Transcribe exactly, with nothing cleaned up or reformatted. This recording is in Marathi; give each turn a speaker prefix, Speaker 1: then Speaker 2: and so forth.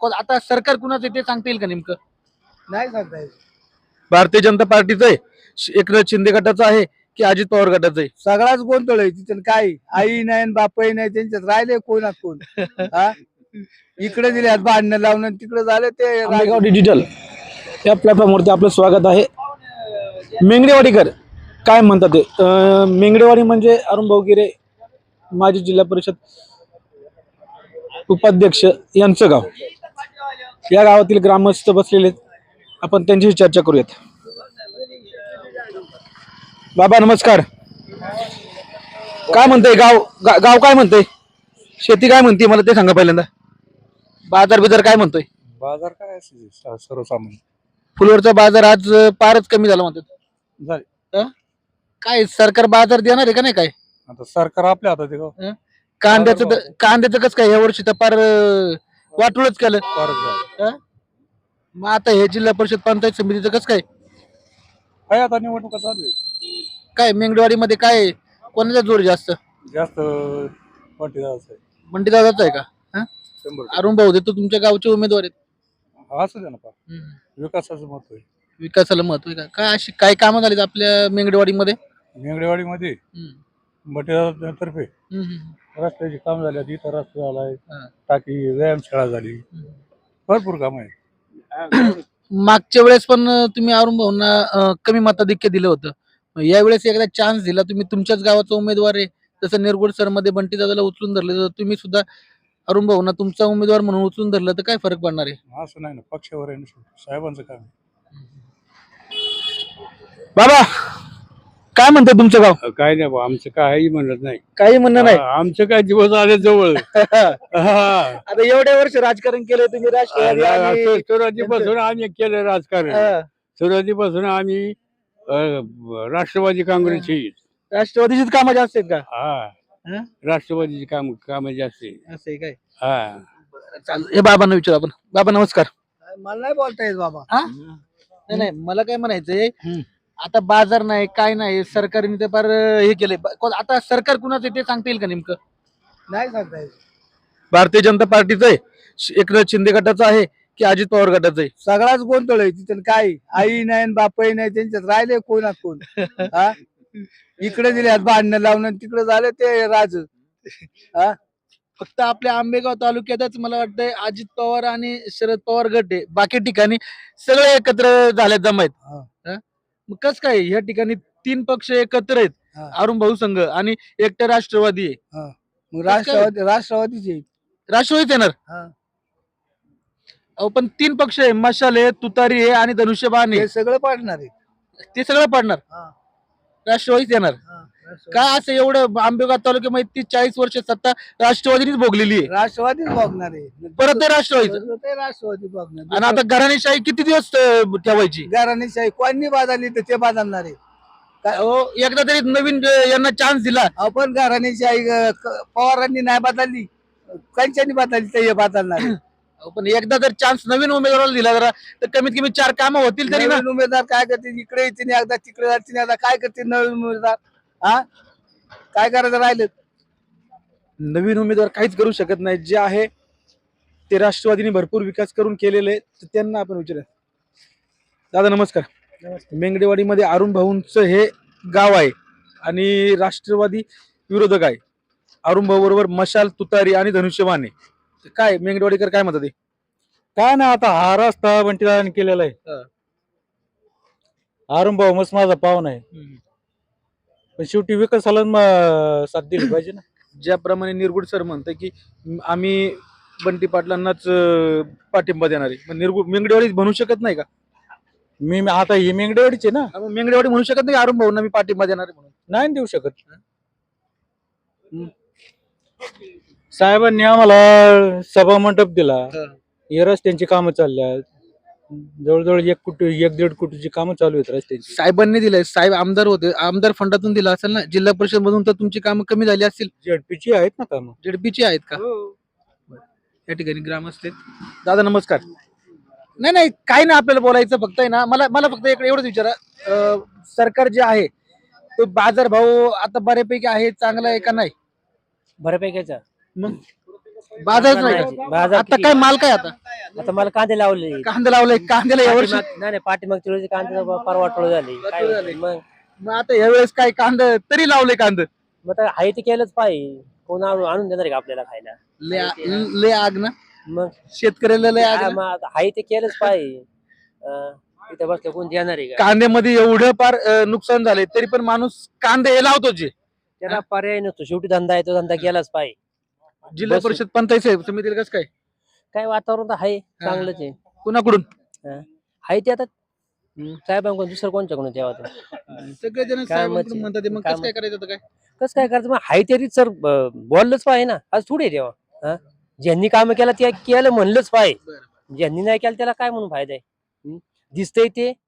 Speaker 1: कोण- आता सरकार कुणाचं आहे ते सांगता येईल का नेमकं?
Speaker 2: नाही सांगता येत.
Speaker 1: भारतीय जनता पार्टीचं आहे, श- एकनाथ शिंदे गटाचं आहे की अजित पवार गटाचं आहे?
Speaker 2: सगळाच गोंधळ आहे तिथे. काय आई नाही आणि बापही नाही, त्यांच्यात राहिले कोण ना कोण. हा इकडे दिले भांडणं लावणं, तिकडे झालं ते
Speaker 1: आंबेगाव डिजिटल या प्लॅटफॉर्मवरती आपलं स्वागत आहे. मेंगडेवाडीकर काय म्हणतात ते? अं, मेंगडेवाडी म्हणजे अरुण भाऊ गिरे माजी जिल्हा परिषद उपाध्यक्ष यांचं गाव. या गावातील ग्रामस्थ बसलेले आहेत. आपण त्यांच्याशी चर्चा करूयात. बाबा नमस्कार. काय म्हणतंय गाव? गा- गाव काय म्हणतंय? शेती काय म्हणते मला ते सांगा पहिल्यांदा. बाजार बिजार काय म्हणतोय?
Speaker 2: बाजार काय असेल सर्वसामान्य
Speaker 1: फुलवरचा बाजार आज अं, फारच कमी झाला म्हणतात.
Speaker 2: झाले.
Speaker 1: अं? काय सरकार बाजार देणार आहे का नाही? काय
Speaker 2: आता सरकार आपल्या हातात आहे का?
Speaker 1: कांद्याचं तर- कांद्याचं कसं काय या वर्षी तर फार अं, वाटूनच केलं.
Speaker 2: फारच झालं.
Speaker 1: अं? मग आता हे जिल्हा परिषद पंचायत समितीचं कसं काय
Speaker 2: काय आता निवडणुका चालू आहे.
Speaker 1: काय मेंगडेवाडीमध्ये काय कोणाचा जोर जास्त?
Speaker 2: जास्त पाटीदाराचं आहे.
Speaker 1: मंडी दादाचा आहे का? हं?
Speaker 2: शंभर टक्के.
Speaker 1: अरुण भाऊ देतो तुमच्या गावचे उमेदवार आहेत.
Speaker 2: असू दे ना पा
Speaker 1: हं.
Speaker 2: विकासाचं महत्व आहे.
Speaker 1: विकासाला महत्व आहे का? काय अशी काय कामं झालीत आपल्या मेंगडेवाडीमध्ये?
Speaker 2: मेंगडेवाडीमध्ये
Speaker 1: हं.
Speaker 2: पाटीदारातर्फे
Speaker 1: हं, हं,
Speaker 2: रस्त्याची काम झाली, इथं रस्ता झालाय,
Speaker 1: हं.
Speaker 2: टाकी व्यायामशाळा झाली, भरपूर काम आहे.
Speaker 1: मागच्या वेळेस पण अं, तुम्ही अरुण भाऊंना अं, कमी मताधिक्य दिलं होतं. मग यावेळेस एकदा चान्स दिला, तुम्ही तुमच्याच गावाचा उमेदवार आहे. जसं निरगुड सर मध्ये बंटी दादाला उचलून धरले, तर तुम्ही सुद्धा अरुण भाऊंना तुमचा उमेदवार म्हणून उचलून धरलं तर काय फरक पडणार आहे?
Speaker 2: असं नाही ना, पक्षावर आहे ना, शेवटी. साहेबांचं काम आहे.
Speaker 1: बाबा काय म्हणते तुमचं गाव?
Speaker 2: काय नाही बा, आमचं काही म्हणत नाही.
Speaker 1: काही म्हणणं नाही.
Speaker 2: हा, आमचं काय दिवस आले जवळ. हा.
Speaker 1: आता एवढ्या वर्ष राजकारण केलं तुम्ही, राष्ट्रवादी आणि-
Speaker 2: असं सुरुवातीपासून आम्ही केलं राजकारण.
Speaker 1: हं.
Speaker 2: सुरुवातीपासून आम्ही अं, राष्ट्रवादी काँग्रेसची.
Speaker 1: राष्ट्रवादीचीच कामं जास्त आहेत का?
Speaker 2: हा,
Speaker 1: हं?
Speaker 2: राष्ट्रवादीची काम काम जास्त आहे.
Speaker 1: असं आहे काय?
Speaker 2: हा.
Speaker 1: चालेल. हे बाबांना विचारू आपण. बाबा नमस्कार.
Speaker 2: मला नाही बोलता येत बाबा.
Speaker 1: हा? नाही नाही, मला काय म्हणायचंय, आता बाजार नाही काय नाही, सरकारने ते फार अं, हे केलंय. ब- कोण- आता सरकार कुणाचं आहे ते सांगता येईल का नेमकं?
Speaker 2: नाही सांगता येत.
Speaker 1: भारतीय जनता पार्टीचं आहे, श- एकनाथ शिंदे गटाचं आहे की अजित पवार गटाचं आहे?
Speaker 2: सगळाच गोंधळ आहे तिथे. काय आई नाही आणि बापही नाही, त्यांच्यात राहिले कोण ना कोण. हा इकडे दिले भांडणं लावणं, तिकडे झालं ते राज. हा
Speaker 1: फक्त आपल्या आंबेगाव तालुक्यातच मला वाटतंय अजित पवार आणि शरद पवार गट आहे. बाकी ठिकाणी सगळे एकत्र झाले जमायत.
Speaker 2: हा.
Speaker 1: हं? मग कस काय ह्या ठिकाणी तीन पक्ष एकत्र आहेत,
Speaker 2: हा.
Speaker 1: अरुण भाऊ संघ आणि एकटं राष्ट्रवादी आहे.
Speaker 2: हा. मग राष्ट्रवादी राष्ट्रवादीचे.
Speaker 1: राष्ट्रवादीच येणार.
Speaker 2: हा.
Speaker 1: अहो पण तीन पक्ष आहे, मशाल आहे, तुतारी आहे आणि धनुष्यबाण आहे.
Speaker 2: हे सगळं पाडणार आहे.
Speaker 1: ते सगळं पडणार.
Speaker 2: हा.
Speaker 1: राष्ट्रवादीच येणार.
Speaker 2: हा. राष्ट्रवादी-
Speaker 1: काय असं एवढं आंबेगाव तालुक्यामध्ये तीस चाळीस वर्ष सत्ता राष्ट्रवादीनेच भोगलेली आहे,
Speaker 2: राष्ट्रवादीच बघणार आहे.
Speaker 1: परत ते राष्ट्रवादीचं.
Speaker 2: ते राष्ट्रवादी बघणार.
Speaker 1: आणि आता घराणेशाही किती दिवस अं, ठेवायची?
Speaker 2: घराणेशाही कोणी बाजारली तर ते बाजारणार आहे.
Speaker 1: अहो, एकदा तरी नवीन अं, यांना चान्स दिला.
Speaker 2: आपण घराणेशाही अं, क- पवारांनी नाही बदलली, कंच्यानी बदलली तर हे बदलणार आहे.
Speaker 1: अहो, पण एकदा जर चान्स नवीन उमेदवाराला दिला जरा, तर कमीत कमी चार कामं होतील तरी ना.
Speaker 2: नवीन उमेदवार काय करते, इकडे येते नाही एकदा, तिकडे जाते नाही एकदा, काय करते नवीन उमेदवार? हा काय करायचं राहिलं?
Speaker 1: नवीन उमेदवार काहीच करू शकत नाही. जे आहे ते राष्ट्रवादीने भरपूर विकास करून केलेले आहे, तर त्यांना आपण विचारूया. दादा नमस्कार. मेंगडेवाडीमध्ये अरुण भाऊंचं हे गाव आहे आणि राष्ट्रवादी विरोधक आहे. अरुण भाऊ बरोबर मशाल, तुतारी आणि धनुष्यबाण आहे. तर काय मेंगडेवाडीकर काय म्हणतात?
Speaker 2: काय ना, आता हा रस्ता बंटीदारांनी केलेला आहे. अरुण भाऊ मस्त माझा पाहुणा आहे, पण शेवटी विकासाला म- साथ दिली पाहिजे ना.
Speaker 1: ज्याप्रमाणे निरगुड सर म्हणतात की म- आम्ही बंटी पाटलांनाच अं, पाठिंबा देणार आहे, मग निरगुड मेंगडेवाडी म्हणू शकत नाही का?
Speaker 2: मी मी- आता ही मेंगडेवाडीचे ना,
Speaker 1: मग मेंगडेवाडी म्हणू शकत नाही अरुण भाऊंना मी पाठिंबा देणार आहे म्हणून?
Speaker 2: नाही देऊ शकत. साहेबांनी आम्हाला सभा मंडप दिला, हे रस्त्यांची कामं चालल्या, जवळजवळ एक कोटी एक दीड कोटीची कामं चालू आहेत रस्त्यांची.
Speaker 1: साहेबांनी दिलंय. साहेब आमदार होते, आमदार फंडातून दिला असेल ना. जिल्हा परिषद मधून तर तुमची कामं कमी झाली असतील.
Speaker 2: झेडपीची आहेत ना कामं.
Speaker 1: जेडपीची आहेत का? या ठिकाणी ग्रामस्थ आहेत. दादा नमस्कार. नाही नाही, काही नाही आपल्याला बोलायचं, फक्त आहे ना, मला मला फक्त इकडे एवढंच विचारा, अं, सरकार जे आहे तो बाजार भाव आता बऱ्यापैकी आहे, चांगला आहे का नाही?
Speaker 3: बऱ्यापैकीचा
Speaker 1: मग बाजारच
Speaker 3: नाही,
Speaker 1: नाही
Speaker 3: बाजार
Speaker 1: आता
Speaker 3: किती?
Speaker 1: काय माल काय आता
Speaker 3: आता मला कांदे लावले
Speaker 1: कांदा लावलाय कांद्याला यावर्षी
Speaker 3: पाठीमाग- नाही नाही पाठीमाग तुळशी कांदे परवाटोळ झाली काय
Speaker 1: वाटोळं झाली.
Speaker 3: मग
Speaker 1: मग आता यावेळेस काय कांदा तरी लावले कांदा
Speaker 3: मग आता आहे ते केलंच पाहिजे कोण आणून आणून देणार आहे का आपल्याला खायला
Speaker 1: ले आ- ले आग ना
Speaker 3: मग
Speaker 1: शेतकऱ्याला लय आग
Speaker 3: हा,
Speaker 1: ना.
Speaker 3: मग आता आहे ते केलंच पाहिजे अं, इथं बसलं कोण देणार आहे का
Speaker 1: कांद्यामध्ये एवढं फार अं, नुकसान झाले तरी पण माणूस कांदे हे लावतो जे
Speaker 3: त्याला पर्याय नसतो शेवटी धंदा आहे तो धंदा केलाच पाहिजे
Speaker 1: जिल्हा
Speaker 3: बस.
Speaker 1: परिषद पंचायत साहेब समितीला कसं काय
Speaker 3: काय वातावरण तर आहे चांगलंच आहे
Speaker 1: कुणाकडून
Speaker 3: हा. आहे ते आता साहेबांकडून दुसरं कोणच्याकडून द्यावा तो
Speaker 1: सगळेजण
Speaker 3: कामच
Speaker 1: साहेबांकडून
Speaker 3: आहे.
Speaker 1: म्हणतात ते, मग
Speaker 3: काम-
Speaker 1: कसं काय करायचं आता काय
Speaker 3: कसं काय करायचं मग हाय तरी सर बोललंच पाहिजे ना आज थोडे तेव्हा हा ज्यांनी काम केलं ते केलं म्हणलंच पाहिजे ज्यांनी नाही केलं त्याला काय म्हणून फायदा आहे हं? दिसतंय ते